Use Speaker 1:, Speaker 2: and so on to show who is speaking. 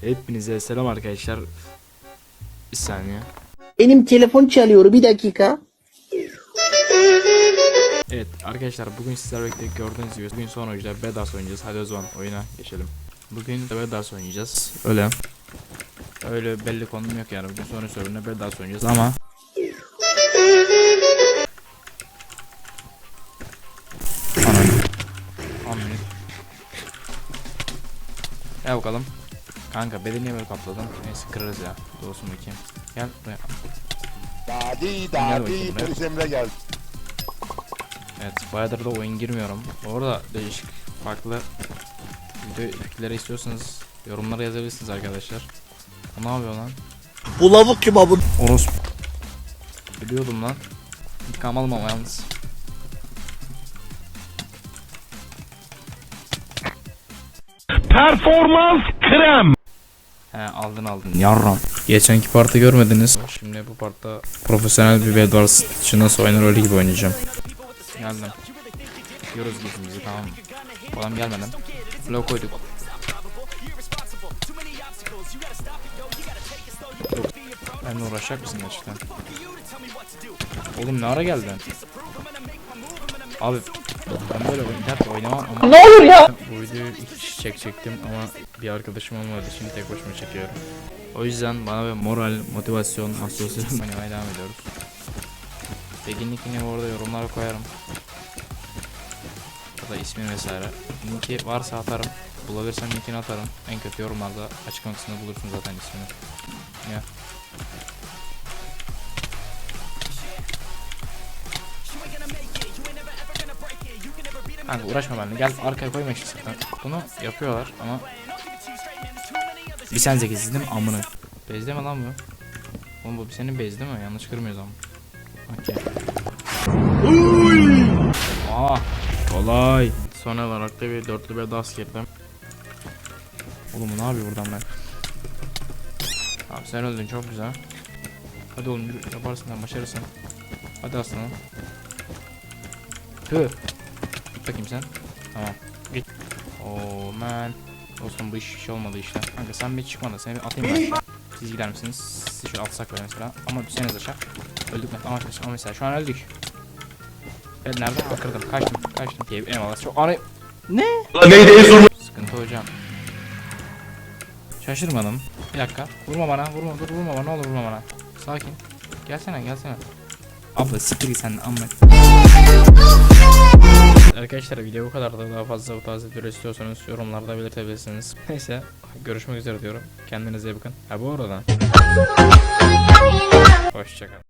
Speaker 1: Hepinize selam arkadaşlar. Bir saniye.
Speaker 2: Benim telefon çalıyor, bir dakika.
Speaker 1: Evet arkadaşlar, bugün sizlerle birlikte gördüğünüz gibi bugün son oyuncuda Bedars oynayacağız. Hadi o zaman oyuna geçelim. Bugün de Bedars oynayacağız. Öyle belli konum yok yani. Bugün son oyuncuda Bedars oynayacağız ama Anladım. Gel bakalım. Kanka bedeni niye böyle kapladın? Neyse kırarız ya. Doğrusu bakayım. Gel buraya.
Speaker 3: Dadi polis Emre geldi.
Speaker 1: Evet, bayağıdır da oyun girmiyorum. Orada değişik farklı video fikirleri istiyorsanız yorumlara yazabilirsiniz arkadaşlar. Ne yapıyor lan?
Speaker 2: Bu lavuk kim abi?
Speaker 1: Orospu. Biliyordum lan. İntikam almam yalnız.
Speaker 4: Performans krem.
Speaker 1: He aldın yarram. Geçenki partı görmediniz. Şimdi bu partta profesyonel bir Bedwars için nasıl oynar öyle gibi oynayacağım. Geldim. Yiyoruz gifimizi, tamam. Adam gelmeden blok koyduk. Benimle uğraşacak mısın gerçekten? Oğlum ne ara geldin? Abi ben böyle oyuncak oynamam ama
Speaker 2: Ne olur ya?
Speaker 1: bu videoyu 2 kişi çekecektim ama bir arkadaşım olmadı, şimdi tek başıma çekiyorum. O yüzden bana bir moral, motivasyon, asosiyasyon oynamaya devam ediyoruz. Begin linkini bu arada yorumlara koyarım. Ya da ismi vesaire. Linki varsa atarım. Bulabilirsem linkini atarım. En kötü yorumlarda açıklama kısmında bulursun zaten ismini. Ya. Kanka uğraşma benimle, gel arkaya koyma işte zaten. Bunu yapıyorlar ama bir sen zekisiz değil mi amına? Bezde mi lan bu? Oğlum bu senin bez değil mi? Yanlış kırmıyoruz ama. Okey. Aa, kolay. Sonra olarak da bir dörtlü bir das girdim. Oğlum ne yapıyor buradan ben? Abi sen öldün, çok güzel. Hadi oğlum yürü, yaparsın lan, başarırsın. Hadi aslanım. Tüh. Git bakayım sen. Tamam. Git. Oh man. Dostum bu iş olmadı işte. Kanka sen bir çıkma da seni bir atayım ben aşağı. Siz gider misiniz? Sizi şöyle atsak böyle mesela. Ama düşseniz aşağı. Öldük mü? Ama mesela şu an öldük. Ben nereden? Kırdım. Kaçtım. Eyvallah. Çok arayıp. Ne?
Speaker 4: Neydi en zor?
Speaker 1: Sıkıntı hocam. Şaşırmadım. Bir dakika. Vurma bana. Vurma bana. Ne olur vurma bana. Sakin. Gelsene. Abla siktir git sen de amma. Arkadaşlar video bu kadar da, daha fazla bu tarz videolar istiyorsanız yorumlarda belirtebilirsiniz. Neyse görüşmek üzere diyorum. Kendinize iyi bakın. Ha bu arada. Hoşçakalın.